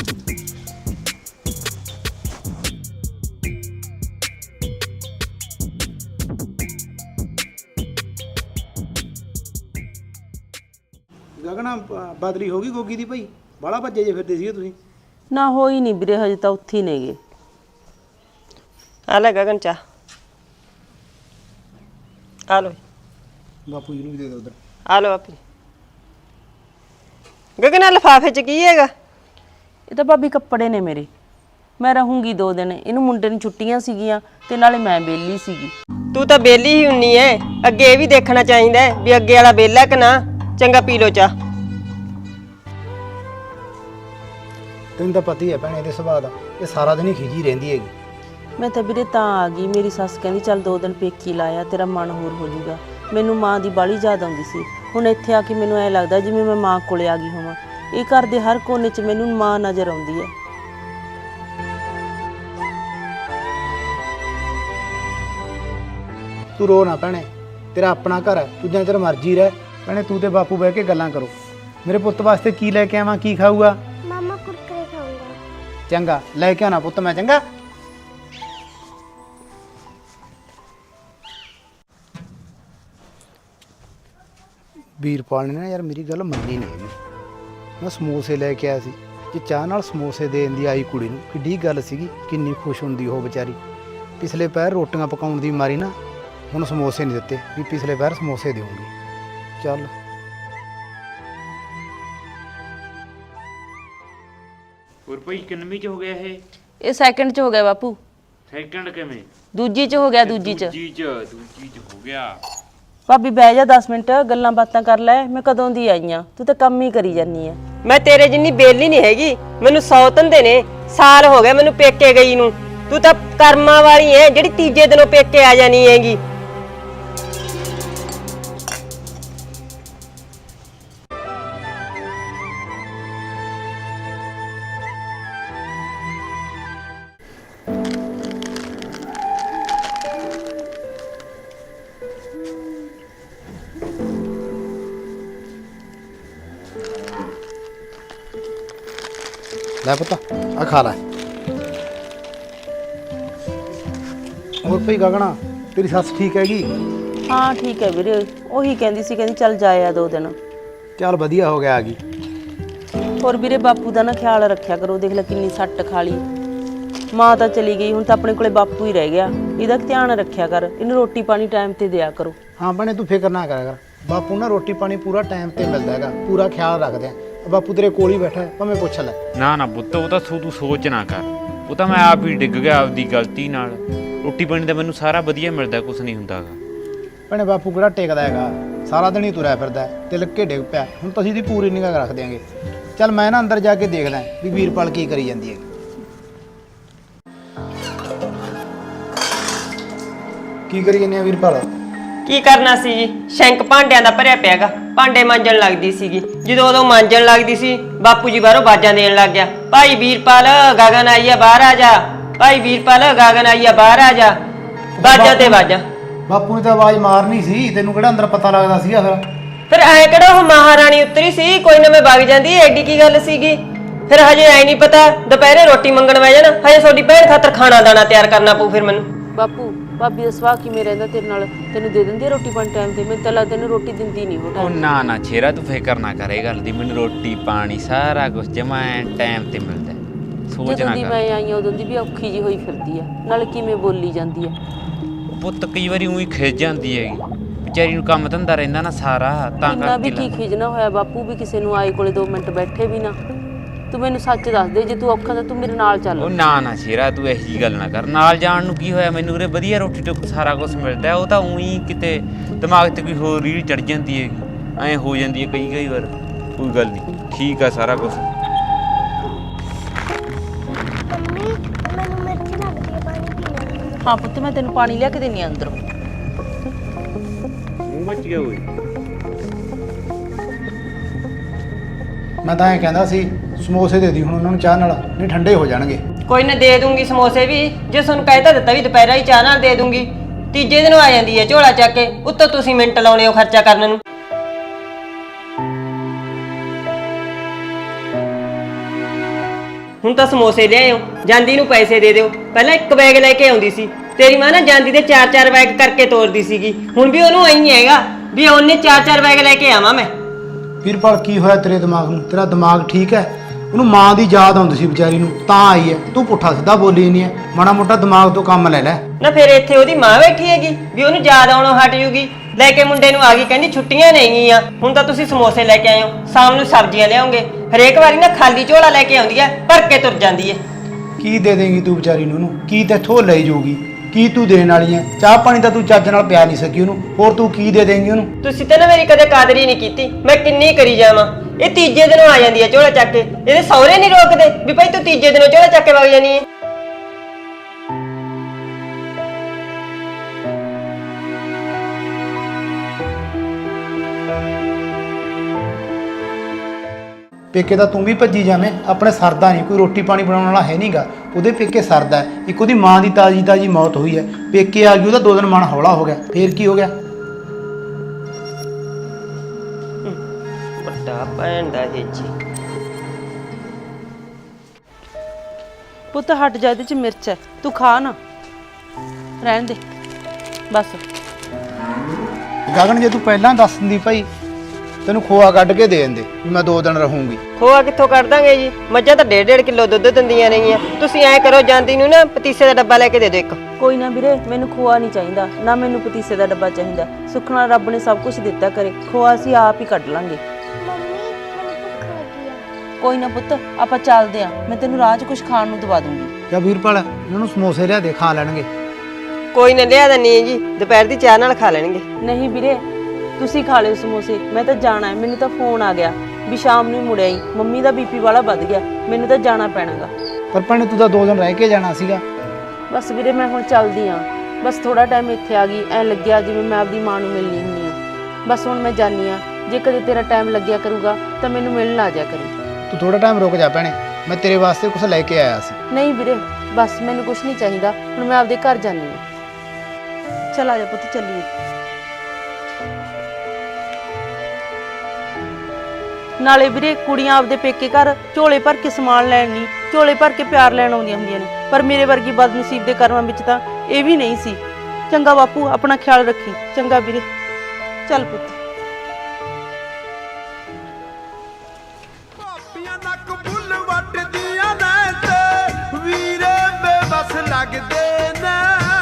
Speaker 4: ਗਗਨਾ ਬਦਲੀ ਹੋ ਗਈ ਗੋਗੀ ਦੀ ਭਾਈ? ਬਾਲਾ ਭੱਜੇ ਜੇ ਫਿਰਦੇ ਸੀਗੇ ਤੁਸੀਂ।
Speaker 2: ਨਾ ਹੋਈ ਨਹੀਂ ਵੀਰੇ, ਹਜੇ ਤਾਂ ਉੱਥੇ ਹੀ ਨੇਗੇ।
Speaker 3: ਆ ਲੈ ਗਗਨ ਚਾਹ, ਆ ਲੋ।
Speaker 4: ਬਾਪੂ ਜੀ ਨੂੰ ਵੀ ਦੇ ਦਿਓ ਉਧਰ।
Speaker 3: ਆ ਲੋ ਆਪੀ। ਗਗਨ ਆ ਲਿਫਾਫੇ 'ਚ ਕੀ ਹੈਗਾ?
Speaker 2: ਇਹ ਤਾਂ ਭਾਬੀ ਕੱਪੜੇ ਨੇ ਮੇਰੇ। ਮੈਂ ਰਹੂੰਗੀ 2 ਦਿਨ। ਇਹਨੂੰ ਮੁੰਡੇ ਨੂੰ ਛੁੱਟੀਆਂ ਸੀਗੀਆਂ ਤੇ ਨਾਲੇ ਮੈਂ ਵਿਹਲੀ ਸੀਗੀ।
Speaker 3: ਤੂੰ ਤਾਂ ਬੇਲੀ ਹੀ ਹੁੰਨੀ ਐ। ਅੱਗੇ ਇਹ ਵੀ ਦੇਖਣਾ ਚਾਹੀਦਾ ਹੈ ਵੀ ਅੱਗੇ ਵਾਲਾ ਬੇਲਾ ਕਿ ਨਾ। ਚੰਗਾ ਪੀ ਲੋ ਚਾਹ।
Speaker 4: ਤੈਨੂੰ ਤਾਂ ਪਤਾ ਹੀ ਹੈ ਭੈਣੇ ਇਹਦੇ ਸੁਭਾਅ ਦਾ, ਇਹ ਸਾਰਾ ਦਿਨ ਹੀ ਖਿਜੀ ਰਹਿੰਦੀ ਹੈਗੀ।
Speaker 2: ਮੈਂ ਤਾਂ ਵੀਰੇ ਤਾਂ ਆ ਗਈ। ਮੇਰੀ ਸੱਸ ਕਹਿੰਦੀ ਚੱਲ 2 ਦਿਨ ਪੇਕੀ ਲਾਇਆ, ਤੇਰਾ ਮਨ ਹੋਰ ਹੋ ਜਾਊਗਾ। ਮੈਨੂੰ ਮਾਂ ਦੀ ਬਾਹਲੀ ਯਾਦ ਆਉਂਦੀ ਸੀ। ਹੁਣ ਇੱਥੇ ਆ ਕੇ ਮੈਨੂੰ ਐਂ ਲੱਗਦਾ ਜਿਵੇਂ ਮੈਂ ਮਾਂ ਕੋਲੇ ਆ ਗਈ ਹੋਵਾਂ। ਇਹ ਘਰ ਦੇ ਹਰ ਕੋਨੇ 'ਚ ਮੈਨੂੰ ਮਾਂ ਨਜ਼ਰ ਆਉਂਦੀ ਹੈ।
Speaker 4: ਤੂੰ ਰੋ ਨਾ ਭੈਣੇ, ਤੇਰਾ ਆਪਣਾ ਘਰ ਹੈ, ਤੂੰ ਜਿੰਨਾ ਚਿਰ ਮਰਜ਼ੀ ਰਹਿ। ਭੈਣੇ ਤੂੰ ਤੇ ਬਾਪੂ ਬਹਿ ਕੇ ਗੱਲਾਂ ਕਰੋ। ਮੇਰੇ ਪੁੱਤ ਵਾਸਤੇ ਕੀ ਲੈ ਕੇ ਆਵਾਂ, ਕੀ ਖਾਊਗਾ?
Speaker 7: ਮਾਮਾ ਕੁਰਕਰੇ ਖਾਊਂਗਾ।
Speaker 4: ਚੰਗਾ ਲੈ ਕੇ ਆਉਣਾ ਪੁੱਤ ਮੈਂ। ਚੰਗਾ ਵੀਰਪਾਲ ਨੇ ਨਾ ਯਾਰ ਮੇਰੀ ਗੱਲ ਮੰਨੀ ਨਹੀਂ ਹੈਗੀ। ਮੈਂ ਸਮੋਸੇ ਲੈ ਕੇ ਆਇਆ ਸੀ, ਜੇ ਚਾਹ ਨਾਲ ਸਮੋਸੇ ਦੇਣ ਦੀ ਆਈ ਕੁੜੀ ਨੂੰ ਕਿੱਡੀ ਗੱਲ ਸੀਗੀ, ਕਿੰਨੀ ਖੁਸ਼ ਹੁੰਦੀ ਉਹ ਵਿਚਾਰੀ। ਪਿਛਲੇ ਪੈਰ ਰੋਟੀਆਂ ਪਕਾਉਣ ਦੀ ਮਾਰੀ ਨਾ ਹੁਣ ਸਮੋਸੇ ਨਹੀਂ ਦਿੱਤੇ, ਵੀ ਪਿਛਲੇ ਪੈਰ ਸਮੋਸੇ ਦੇਵਾਂਗੀ। ਚੱਲ
Speaker 8: ਹੋਰ ਭਾਈ ਕਿੰਨਵੀਂ ਚ ਹੋ ਗਿਆ ਇਹ?
Speaker 2: ਇਹ ਸੈਕਿੰਡ 'ਚ ਹੋ ਗਿਆ ਬਾਪੂ।
Speaker 8: ਸੈਕਿੰਡ ਕਿਵੇਂ?
Speaker 2: ਦੂਜੀ 'ਚ ਹੋ ਗਿਆ, ਦੂਜੀ 'ਚ।
Speaker 8: ਦੂਜੀ ਚ ਹੋ ਗਿਆ।
Speaker 2: ਭਾਬੀ ਬਹਿ ਜਾ 10 ਮਿੰਟ, ਗੱਲਾਂ ਬਾਤਾਂ ਕਰ ਲੈ। ਮੈਂ ਕਦੋਂ ਦੀ ਆਈ ਆਂ, ਤੂੰ ਤਾਂ ਕੰਮ ਹੀ ਕਰੀ ਜਾਨੀ ਆ।
Speaker 3: ਮੈਂ ਤੇਰੇ ਜਿੰਨੀ ਬੇਲੀ ਨਹੀਂ ਹੈਗੀ। ਮੈਨੂੰ 100 ਧੰਦੇ ਨੇ। ਸਾਲ ਹੋ ਗਿਆ ਮੈਨੂੰ ਪੇਕੇ ਗਈ ਨੂੰ। ਤੂੰ ਤਾਂ ਕਰਮਾਂ ਵਾਲੀ ਐ ਜਿਹੜੀ ਤੀਜੇ ਦਿਨੋਂ ਪੇਕੇ ਆ ਜਾਣੀ ਹੈਗੀ।
Speaker 4: ਲੈ ਪੁੱਤ ਆ ਖਾ ਲੈ। ਹੋਰ ਭਾਈ ਗਗਨਾ ਤੇਰੀ ਸੱਸ ਠੀਕ ਹੈਗੀ?
Speaker 2: ਹਾਂ ਠੀਕ ਹੈ ਵੀਰੇ, ਉਹੀ ਕਹਿੰਦੀ ਸੀ, ਕਹਿੰਦੀ ਚੱਲ ਜਾਇਆ 2 ਦਿਨ।
Speaker 4: ਚੱਲ ਵਧੀਆ ਹੋ ਗਿਆ ਆ ਗਈ।
Speaker 2: ਹੋਰ ਵੀਰੇ ਬਾਪੂ ਦਾ ਨਾ ਖਿਆਲ ਰੱਖਿਆ ਕਰੋ, ਦੇਖ ਲੈ ਕਿੰਨੀ ਸੱਟ ਖਾ ਲਈ। ਮਾਂ ਤਾਂ ਚਲੀ ਗਈ, ਹੁਣ ਤਾਂ ਆਪਣੇ ਕੋਲੇ ਬਾਪੂ ਹੀ ਰਹਿ ਗਿਆ। ਇਹਦਾ ਧਿਆਨ ਰੱਖਿਆ ਕਰ, ਇਹਨੂੰ ਰੋਟੀ ਪਾਣੀ ਟਾਈਮ ਤੇ ਦਿਆ ਕਰੋ।
Speaker 4: ਹਾਂ ਭੈਣੇ ਤੂੰ ਫਿਕਰ ਨਾ ਕਰਿਆ ਕਰ, ਬਾਪੂ ਨਾ ਰੋਟੀ ਪਾਣੀ ਪੂਰਾ ਟਾਈਮ ਤੇ ਮਿਲਦਾ ਹੈਗਾ, ਪੂਰਾ ਖਿਆਲ ਰੱਖਦੇ ਆ। ਬਾਪੂ ਤੇਰੇ ਕੋਲ ਹੀ ਬੈਠਾ ਹੈ, ਭਾਵੇਂ ਪੁੱਛ ਲੈ।
Speaker 8: ਨਾ ਨਾ ਪੁੱਤ, ਉਹ ਤਾਂ ਤੂੰ ਸੋਚ ਨਾ ਕਰ। ਉਹ ਤਾਂ ਮੈਂ ਆਪ ਹੀ ਡਿੱਗ ਗਿਆ ਆਪਦੀ ਗਲਤੀ ਨਾਲ। ਰੋਟੀ ਪਾਣੀ ਦਾ ਮੈਨੂੰ ਸਾਰਾ ਵਧੀਆ ਮਿਲਦਾ, ਕੁਝ ਨਹੀਂ ਹੁੰਦਾਗਾ।
Speaker 4: ਭੈਣੇ ਬਾਪੂ ਕਿਹੜਾ ਟੇਕਦਾ ਹੈਗਾ, ਸਾਰਾ ਦਿਨ ਹੀ ਤੁਰਿਆ ਫਿਰਦਾ ਹੈ, ਤਿਲਕ ਕੇ ਡਿੱਗ ਪਿਆ। ਹੁਣ ਤਾਂ ਅਸੀਂ ਦੀ ਪੂਰੀ ਨਿਗਾਹ ਰੱਖ ਦਿਆਂਗੇ। ਚੱਲ ਮੈਂ ਨਾ ਅੰਦਰ ਜਾ ਕੇ ਦੇਖ ਲਾਂ ਵੀ ਵੀਰਪਾਲ ਕੀ ਕਰੀ ਜਾਂਦੀ ਹੈ। ਕੀ ਕਰੀ ਜਾਂਦੀ ਆ ਵੀਰਪਾਲ?
Speaker 3: ਕੀ ਕਰਨਾ ਸੀ ਜੀ, ਸ਼ੈਂਕ ਭਾਂਡਿਆਂ ਦਾ ਭਰਿਆ ਪਿਆਗਾ, ਭਾਂਡੇ ਮਾਂਜਣ ਲੱਗਦੀ ਸੀਗੀ। ਜਦੋਂ ਉਦੋਂ ਮਾਂਜਣ ਲੱਗਦੀ ਸੀ, ਬਾਪੂ ਜੀ ਬਾਹਰੋਂ ਬਾਜਾਂ ਦੇਣ ਲੱਗ ਗਿਆ, ਭਾਈ ਵੀਰਪਾਲ ਗਗਨ ਆਈ ਆ, ਬਾਹਰ ਆ ਜਾ। ਭਾਈ ਵੀਰਪਾਲ ਗਗਨ ਆਈ ਆ, ਬਾਹਰ ਆ ਜਾ। ਬਾਜਾਂ ਤੇ ਬਾਜਾਂ।
Speaker 4: ਬਾਪੂ ਨੇ ਤਾਂ ਆਵਾਜ਼ ਮਾਰਨੀ ਸੀ, ਤੈਨੂੰ ਕਿਹੜਾ ਅੰਦਰ ਪਤਾ ਲੱਗਦਾ ਸੀਗਾ
Speaker 3: ਫਿਰ ਐ ਕਿਹੜਾ ਉਹ ਮਹਾਰਾਣੀ ਉਤਰੀ ਸੀ, ਕੋਈ ਨਾ ਮੈਂ ਵਗ ਜਾਂਦੀ, ਐਡੀ ਕੀ ਗੱਲ ਸੀਗੀ। ਫਿਰ ਹਜੇ ਐ ਨਹੀਂ ਪਤਾ ਦੁਪਹਿਰੇ ਰੋਟੀ ਮੰਗਣ ਬਹਿ ਜਾਣਾ, ਹਜੇ ਤੁਹਾਡੀ ਭੈਣ ਖਾਤਰ ਖਾਣਾ ਦਾਣਾ ਤਿਆਰ ਕਰਨਾ ਪਊ ਫਿਰ ਮੈਨੂੰ।
Speaker 2: ਬਾਪੂ ਭਾਬੀ ਦਾ ਸੁਭਾਅ ਕਿਵੇਂ ਰਹਿੰਦਾ ਤੇਰੇ ਨਾਲ? ਤੈਨੂੰ ਦੇ ਦਿੰਦੀ ਆ ਰੋਟੀ ਪਾਣੀ ਟਾਈਮ ਤੇ? ਮੈਨੂੰ ਤਾਂ ਲੱਗਦਾ ਤੈਨੂੰ ਰੋਟੀ ਦਿੰਦੀ ਨਹੀਂ ਉਹ
Speaker 8: ਉਹ
Speaker 2: ਟਾਈਮ।
Speaker 8: ਨਾ ਨਾ ਛੇਰਾ, ਤੂੰ ਫਿਕਰ ਨਾ ਕਰ ਇਹ ਗੱਲ ਦੀ। ਮੈਨੂੰ ਰੋਟੀ ਪਾਣੀ ਸਾਰਾ ਕੁਝ ਜਮਾ ਟਾਈਮ ਤੇ ਮਿਲਦਾ। ਸੋਚ
Speaker 2: ਜਦੋਂ
Speaker 8: ਨਾ
Speaker 2: ਦੀ
Speaker 8: ਕਰ
Speaker 2: ਮੈਂ ਆਈ ਆ ਉਦੋਂ ਦੀ ਵੀ ਔਖੀ ਜੀ ਹੋਈ ਫਿਰਦੀ ਆ, ਨਾਲ ਕਿਵੇਂ ਬੋਲੀ ਜਾਂਦੀ ਆ।
Speaker 8: ਪੁੱਤ ਕਈ ਵਾਰੀ ਉਹੀ ਖਿੱਚ ਜਾਂਦੀ ਹੈਗੀ, ਵਿਚਾਰੀ ਨੂੰ ਕੰਮ ਧੰਦਾ ਰਹਿੰਦਾ ਨਾ ਸਾਰਾ, ਤਾਂ
Speaker 2: ਇੰਨਾ ਵੀ
Speaker 8: ਕਰਕੇ
Speaker 2: ਕੀ ਖਿਜਣਾ ਹੋਇਆ ਬਾਪੂ, ਵੀ ਕਿਸੇ ਨੂੰ ਆਏ ਕੋਲੇ 2 ਮਿੰਟ ਬੈਠੇ ਵੀ ਨਾ। ਤੂੰ ਮੈਨੂੰ ਸੱਚ ਦੱਸ ਦੇ, ਜੇ ਤੂੰ ਔਖਾ ਤਾਂ ਤੂੰ ਮੇਰੇ ਨਾਲ ਚੱਲ।
Speaker 8: ਉਹ ਨਾ ਨਾ ਸ਼ੇਰਾ, ਤੂੰ ਇਹੋ ਜਿਹੀ ਗੱਲ ਨਾ ਕਰ। ਨਾਲ ਜਾਣ ਨੂੰ ਕੀ ਹੋਇਆ, ਮੈਨੂੰ ਉਰੇ ਵਧੀਆ ਰੋਟੀ ਟੁੱਕ ਸਾਰਾ ਕੁਝ ਮਿਲਦਾ। ਉਹ ਤਾਂ ਉਹੀ ਕਿਤੇ ਦਿਮਾਗ ਤੇ ਕੋਈ ਹੋਰ ਰੀਲ ਚੜ ਜਾਂਦੀ ਹੈਗੀ, ਐਂ ਹੋ ਜਾਂਦੀ ਹੈ ਕਈ ਵਾਰ। ਕੋਈ ਗੱਲ ਨਹੀਂ, ਠੀਕ ਆ ਸਾਰਾ ਕੁਝ।
Speaker 7: ਮੰਮੀ ਮੈਨੂੰ ਮਿਰਚ ਲੱਗਦੀ ਹੈ, ਪਾਣੀ ਪੀਣਾ।
Speaker 2: ਹਾਂ ਪੁੱਤ, ਮੈਂ ਤੈਨੂੰ ਪਾਣੀ ਲਿਆ ਕੇ ਦੇਣੀ ਆ ਅੰਦਰੋਂ।
Speaker 8: ਮੂੰਹ ਮੱਚ ਗਿਆ ਓਏ।
Speaker 4: ਮੈਂ ਤਾਂ ਐਂ ਕਹਿੰਦਾ ਸੀ ਸਮੋਸੇ ਦੇ ਦੀ ਹੁਣ ਉਹਨਾਂ ਨੂੰ ਚਾਹ ਨਾਲ, ਨਹੀਂ ਠੰਡੇ ਹੋ ਜਾਣਗੇ।
Speaker 3: ਕੋਈ ਨਾ ਦੇ ਦੂੰਗੀ ਸਮੋਸੇ ਵੀ, ਜੇ ਤੁਹਾਨੂੰ ਕਹਿਤਾ ਦਿੱਤਾ ਵੀ ਦੁਪਹਿਰਾਂ ਹੀ ਚਾਹ ਨਾਲ ਦੇ ਦੂੰਗੀ। ਤੀਜੇ ਦਿਨ ਆ ਜਾਂਦੀ ਹੈ ਝੋਲਾ ਚੱਕ ਕੇ, ਉੱਤੋਂ ਤੁਸੀਂ ਮਿੰਟ ਲਾਉਣੇ ਹੋ ਖਰਚਾ ਕਰਨ ਨੂੰ। ਹੁਣ ਤਾਂ ਸਮੋਸੇ ਲਿਆਇਓ, ਜਾਂਦੀ ਨੂੰ ਪੈਸੇ ਦੇ ਦਿਓ। ਪਹਿਲਾਂ 1 ਬੈਗ ਲੈ ਕੇ ਆਉਂਦੀ ਸੀ, ਤੇਰੀ ਮਾਂ ਨਾ ਜਾਂਦੀ ਦੇ 4-4 ਬੈਗ ਕਰਕੇ ਤੋਰਦੀ ਸੀਗੀ। ਹੁਣ ਵੀ ਉਹਨੂੰ ਐਂ ਹੈਗਾ ਵੀ ਉਹਨੇ 4-4 ਬੈਗ ਲੈ ਕੇ ਆਵਾਂ ਮੈਂ।
Speaker 4: ਵੀਰਪਾਲ ਕੀ ਹੋਇਆ ਤੇਰੇ ਦਿਮਾਗ ਨੂੰ? ਤੇਰਾ ਦਿਮਾਗ ਠੀਕ ਹੈ? ਉਹਨੂੰ ਮਾਂ ਦੀ ਯਾਦ ਆਉਂਦੀ ਸੀ ਵਿਚਾਰੀ ਨੂੰ, ਤਾਂ ਆਈ ਹੈ। ਤੂੰ ਪੁੱਠਾ ਸਿੱਧਾ ਬੋਲੀ ਨਹੀਂ ਹੈ, ਮਾੜਾ ਮੋਟਾ ਦਿਮਾਗ ਤੋਂ ਕੰਮ ਲੈ ਲੈ।
Speaker 3: ਨਾ ਫਿਰ ਇੱਥੇ ਉਹਦੀ ਮਾਂ ਬੈਠੀ ਹੈਗੀ ਵੀ ਉਹਨੂੰ ਯਾਦ ਆਉਣੋਂ ਹਟ ਜੂਗੀ। ਲੈ ਕੇ ਮੁੰਡੇ ਨੂੰ ਆ ਗਈ, ਕਹਿੰਦੀ ਛੁੱਟੀਆਂ ਨਹੀਂਗੀਆਂ। ਹੁਣ ਤਾਂ ਤੁਸੀਂ ਸਮੋਸੇ ਲੈ ਕੇ ਆਏ ਹੋ, ਸ਼ਾਮ ਨੂੰ ਸਬਜ਼ੀਆਂ ਲਿਆਉਂਗੇ। ਹਰੇਕ ਵਾਰੀ ਨਾ ਖਾਲੀ ਝੋਲਾ ਲੈ ਕੇ ਆਉਂਦੀ ਹੈ, ਭਰ ਕੇ ਤੁਰ ਜਾਂਦੀ ਹੈ।
Speaker 4: ਕੀ ਦੇ ਦੇਂਗੀ ਤੂੰ ਵਿਚਾਰੀ ਨੂੰ? ਉਹਨੂੰ ਕੀ ਤੇਥੋਂ ਲਈ ਜਾਊਗੀ? ਕੀ ਤੂੰ ਦੇਣ ਵਾਲੀ ਹੈ? ਚਾਹ ਪਾਣੀ ਤਾਂ ਤੂੰ ਚੱਜ ਨਾਲ ਪਿਆ ਨਹੀਂ ਸਕੀ ਉਹਨੂੰ, ਹੋਰ ਤੂੰ ਕੀ ਦੇ ਦੇਂਗੀ ਉਹਨੂੰ?
Speaker 3: ਤੁਸੀਂ ਤਾਂ ਨਾ ਮੇਰੀ ਕਦੇ ਕਦਰ ਹੀ ਨਹੀਂ ਕੀਤੀ, ਮੈਂ ਕਿੰਨੀ ਕਰੀ ਜਾਵਾਂ। ਇਹ ਤੀਜੇ ਦਿਨੋਂ ਆ ਜਾਂਦੀ ਹੈ ਝੋਲਾ ਚੱਕ ਕੇ। ਇਹਦੇ ਸਹੁਰੇ ਨਹੀਂ ਰੋਕਦੇ ਵੀ ਭਾਈ ਤੂੰ ਤੀਜੇ ਦਿਨੋਂ ਝੋਲਾ ਚੱਕ ਕੇ ਵਗ ਜਾਨੀ ਹੈ।
Speaker 4: ਪੇਕੇ ਤਾਂ ਤੂੰ ਵੀ ਭੱਜੀ ਜਾਵੇਂ, ਆਪਣੇ ਸਰਦਾ ਨਹੀਂ, ਕੋਈ ਰੋਟੀ ਪਾਣੀ ਬਣਾਉਣ ਵਾਲਾ ਹੈ ਨਹੀਂਗਾ। ਉਹਦੇ ਪੇਕੇ ਸਰਦਾ ਹੈ। ਇੱਕ ਉਹਦੀ ਮਾਂ ਦੀ ਤਾਜੀ ਮੌਤ ਹੋਈ ਹੈ, ਪੇਕੇ ਆ ਗਈ, ਉਹਦਾ 2 ਦਿਨ ਮਨ ਹੌਲਾ ਹੋ ਗਿਆ। ਫੇਰ ਕੀ ਹੋ ਗਿਆ?
Speaker 3: ਵੱਡਾ ਭੈਣ ਦਾ ਹੇਜੀ।
Speaker 2: ਪੁੱਤ ਹਟ ਜਾ, ਇਹਦੇ ਚ ਮਿਰਚ ਹੈ, ਤੂੰ ਖਾ ਨਾ, ਰਹਿਣ ਦੇ ਬਸ।
Speaker 4: ਗਗਨ ਜੇ ਤੂੰ ਪਹਿਲਾਂ ਦੱਸ ਦਿੰਦੀ ਭਾਈ, ਤੈਨੂੰ ਖੋਆ ਕੱਢ ਕੇ ਦੇ ਦਿੰਦੇ ਵੀ ਮੈਂ 2 ਦਿਨ ਰਹੂੰਗੀ।
Speaker 3: ਖੋਆ ਕਿੱਥੋਂ ਕੱਢ ਦਾਂਗੇ ਜੀ, ਮੱਝਾਂ ਤਾਂ 1.5 ਕਿਲੋ ਦੁੱਧ ਦਿੰਦੀਆਂ ਨੇਗੀਆਂ। ਤੁਸੀਂ ਐਂ ਕਰੋ, ਜਾਂਦੀ ਨੂੰ ਨਾ ਪਤੀਸੇ ਦਾ ਡੱਬਾ ਲੈ ਕੇ ਦੇ ਦਿਓ 1।
Speaker 2: ਕੋਈ ਨਾ ਵੀਰੇ, ਮੈਨੂੰ ਖੋਆ ਨਹੀਂ ਚਾਹੀਦਾ, ਨਾ ਮੈਨੂੰ ਪਤੀਸੇ ਦਾ ਡੱਬਾ ਚਾਹੀਦਾ। ਸੁੱਖ ਨਾਲ ਰੱਬ ਨੇ ਸਭ ਕੁਝ ਦਿੱਤਾ ਕਰੇ, ਖੋਆ ਅਸੀਂ ਆਪ ਹੀ ਕੱਢ ਲਾਂਗੇ।
Speaker 7: ਮੰਮੀ ਮੈਨੂੰ ਭੁੱਖ ਲੱਗੀ ਆ।
Speaker 2: ਕੋਈ ਨਾ ਪੁੱਤ, ਆਪਾਂ ਚੱਲਦੇ ਆਂ, ਮੈਂ ਤੈਨੂੰ ਰਾਹ 'ਚ ਕੁਝ ਖਾਣ ਨੂੰ ਦਵਾ ਦੂੰਗੀ।
Speaker 4: ਜਾਂ ਵੀਰਪਾਲ ਇਹਨਾਂ ਨੂੰ ਸਮੋਸੇ ਲਿਆ ਦੇ, ਖਾ ਲੈਣਗੇ।
Speaker 3: ਕੋਈ ਨਾ ਲਿਆ ਦਿੰਨੀ ਹੈ ਜੀ, ਦੁਪਹਿਰ ਦੀ ਚਾਹ ਨਾਲ ਖਾ ਲੈਣਗੇ।
Speaker 2: ਨਹੀਂ ਵੀਰੇ, ਤੁਸੀਂ ਖਾ ਲਿਓ ਸਮੋਸੇ, ਮੈਂ ਤਾਂ ਜਾਣਾ ਹੈ। ਮੈਨੂੰ ਤਾਂ ਫੋਨ ਆ ਗਿਆ ਵੀ ਸ਼ਾਮ ਨੂੰ ਮੁੜ ਆਈ, ਮੰਮੀ ਦਾ ਬੀਪੀ ਵਾਲਾ ਵੱਧ ਗਿਆ, ਮੈਨੂੰ ਤਾਂ ਜਾਣਾ ਪੈਣਾਗਾ।
Speaker 4: ਪਰ ਭੈਣੇ ਤੂੰ ਤਾਂ 2 ਦਿਨ ਰਹਿ ਕੇ ਜਾਣਾ ਸੀਗਾ।
Speaker 2: ਬਸ ਵੀਰੇ, ਮੈਂ ਹੁਣ ਚੱਲਦੀ ਆਂ, ਬਸ ਥੋੜਾ ਟਾਈਮ ਇੱਥੇ ਆ ਗਈ, ਐਂ ਲੱਗਿਆ ਜਿਵੇਂ ਮੈਂ ਆਪਦੀ ਮਾਂ ਨੂੰ ਮਿਲਣੀ ਹੁੰਦੀ ਆ। ਬਸ ਹੁਣ ਮੈਂ ਜਾਨੀ ਆ, ਜੇ ਕਦੇ ਤੇਰਾ ਟਾਈਮ ਲੱਗਿਆ ਕਰੂਗਾ ਤਾਂ ਮੈਨੂੰ ਮਿਲਣ ਆ ਜਾ ਕਰੀ।
Speaker 4: ਤੂੰ ਥੋੜਾ ਟਾਈਮ ਰੁਕ ਜਾ ਭੈਣੇ, ਮੈਂ ਤੇਰੇ ਵਾਸਤੇ ਕੁਝ ਲੈ ਕੇ ਆਇਆ ਸੀ।
Speaker 2: ਨਹੀਂ ਵੀਰੇ, ਬਸ ਮੈਨੂੰ ਕੁਝ ਨਹੀਂ ਚਾਹੀਦਾ, ਹੁਣ ਮੈਂ ਆਪਦੇ ਘਰ ਜਾਨੀ ਆ। ਚਲ ਆ ਜਾ ਪੁੱਤ, ਚੱਲੀਏ। ਨਾਲੇ ਵੀਰੇ, ਕੁੜੀਆਂ ਆਪਦੇ ਪੇਕੇ ਘਰ ਝੋਲੇ ਭਰ ਕੇ ਸਮਾਨ ਲੈਣ ਨਹੀਂ, ਝੋਲੇ ਭਰ ਕੇ ਪਿਆਰ ਲੈਣ ਆਉਂਦੀਆਂ ਹੁੰਦੀਆਂ ਨੇ, ਪਰ ਮੇਰੇ ਵਰਗੀ ਬਦਨਸੀਬ ਦੇ ਕਰਮਾਂ ਵਿੱਚ ਤਾਂ ਇਹ ਵੀ ਨਹੀਂ ਸੀ।
Speaker 9: ਚੰਗਾ ਬਾਪੂ, ਆਪਣਾ ਖਿਆਲ ਰੱਖੀ। ਚੰਗਾ ਵੀਰੇ, ਚੱਲ ਪੁੱਤ।
Speaker 10: ਭਾਬੀਆਂ ਨੱਕ ਬੁੱਲ ਵੱਟਦੀਆਂ ਨੇ ਤੇ ਵੀਰੇ ਬੇਬਸ ਲੱਗਦੇ ਨੇ।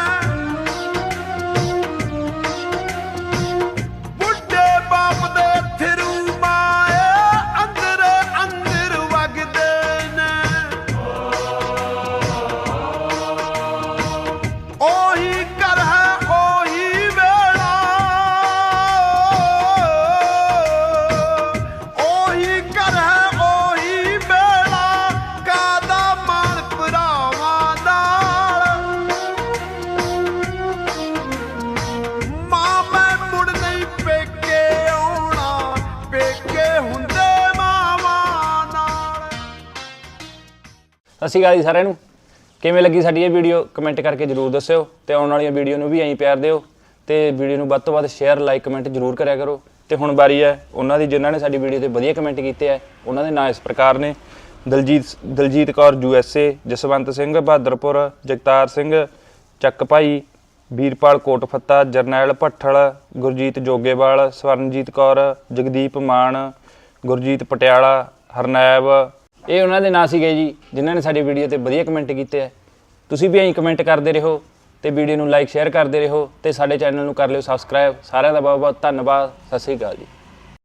Speaker 10: ਬੁੱਢੇ ਬਾਪ ਦੇ ਥਰੂ ਮਾਏ ਅੰਦਰ ਅੰਦਰ ਵਗਦੇ ਨੇ। ਉਹੀ ਘਰ ਹੈ ਉਹੀ ਵੇਲਾ, ਉਹੀ ਘਰ ਹੈ ਉਹੀ ਵੇਲਾ, ਕਾਦਾ ਮਾਣ ਭਰਾਵਾਂ ਨਾਲ। ਮਾਂ ਮੈਂ ਮੁੜ ਨਹੀਂ ਪੇਕੇ ਆਉਣਾ, ਪੇਕੇ ਹੁੰਦੇ ਮਾਵਾਂ ਨਾਲ।
Speaker 1: ਸਤਿ ਸ਼੍ਰੀ ਅਕਾਲ ਜੀ ਸਾਰਿਆਂ ਨੂੰ। ਕਿਵੇਂ ਲੱਗੀ ਸਾਡੀ ਇਹ ਵੀਡੀਓ ਕਮੈਂਟ ਕਰਕੇ ਜਰੂਰ ਦੱਸਿਓ ਤੇ ਆਉਣ ਵਾਲੀਆਂ ਵੀਡੀਓ ਨੂੰ ਵੀ ਐਂ ਪਿਆਰ ਦਿਓ ਤੇ ਵੀਡੀਓ ਨੂੰ ਵੱਧ ਤੋਂ ਵੱਧ ਸ਼ੇਅਰ ਲਾਈਕ ਕਮੈਂਟ ਜਰੂਰ ਕਰਿਆ ਕਰੋ। ਤੇ ਹੁਣ ਵਾਰੀ ਹੈ ਉਹਨਾਂ ਦੀ ਜਿਨ੍ਹਾਂ ਨੇ ਸਾਡੀ ਵੀਡੀਓ ਤੇ ਵਧੀਆ ਕਮੈਂਟ ਕੀਤੇ ਆ। ਉਹਨਾਂ ਦੇ ਨਾਂ ਇਸ ਪ੍ਰਕਾਰ ਨੇ: ਦਲਜੀਤ ਕੌਰ USA, ਜਸਵੰਤ ਸਿੰਘ ਬਹਾਦਰਪੁਰ, ਜਗਤਾਰ ਸਿੰਘ ਚੱਕ ਭਾਈ, ਵੀਰਪਾਲ ਕੋਟਫੱਤਾ, ਜਰਨੈਲ ਭੱਠਲ, ਗੁਰਜੀਤ ਜੋਗੇਵਾਲ, ਸਵਰਨਜੀਤ ਕੌਰ, ਜਗਦੀਪ ਮਾਨ, ਗੁਰਜੀਤ ਪਟਿਆਲਾ, ਹਰਨੈਬ। ਇਹ ਉਹਨਾਂ ਦੇ ਨਾਂ ਸੀਗੇ ਜੀ ਜਿਨ੍ਹਾਂ ਨੇ ਸਾਡੀ ਵੀਡੀਓ ਤੇ ਵਧੀਆ ਕਮੈਂਟ ਕੀਤੇ ਆ। ਤੁਸੀਂ ਵੀ ਐਂ ਕਮੈਂਟ ਕਰਦੇ ਰਹੋ ਤੇ ਵੀਡੀਓ ਨੂੰ ਲਾਈਕ ਸ਼ੇਅਰ ਕਰਦੇ ਰਹੋ ਤੇ ਸਾਡੇ ਚੈਨਲ ਨੂੰ ਕਰ ਲਿਓ ਸਬਸਕ੍ਰਾਈਬ। ਸਾਰਿਆਂ ਦਾ ਬਹੁਤ ਬਹੁਤ ਧੰਨਵਾਦ। ਸਤਿ ਸ਼੍ਰੀ ਅਕਾਲ ਜੀ।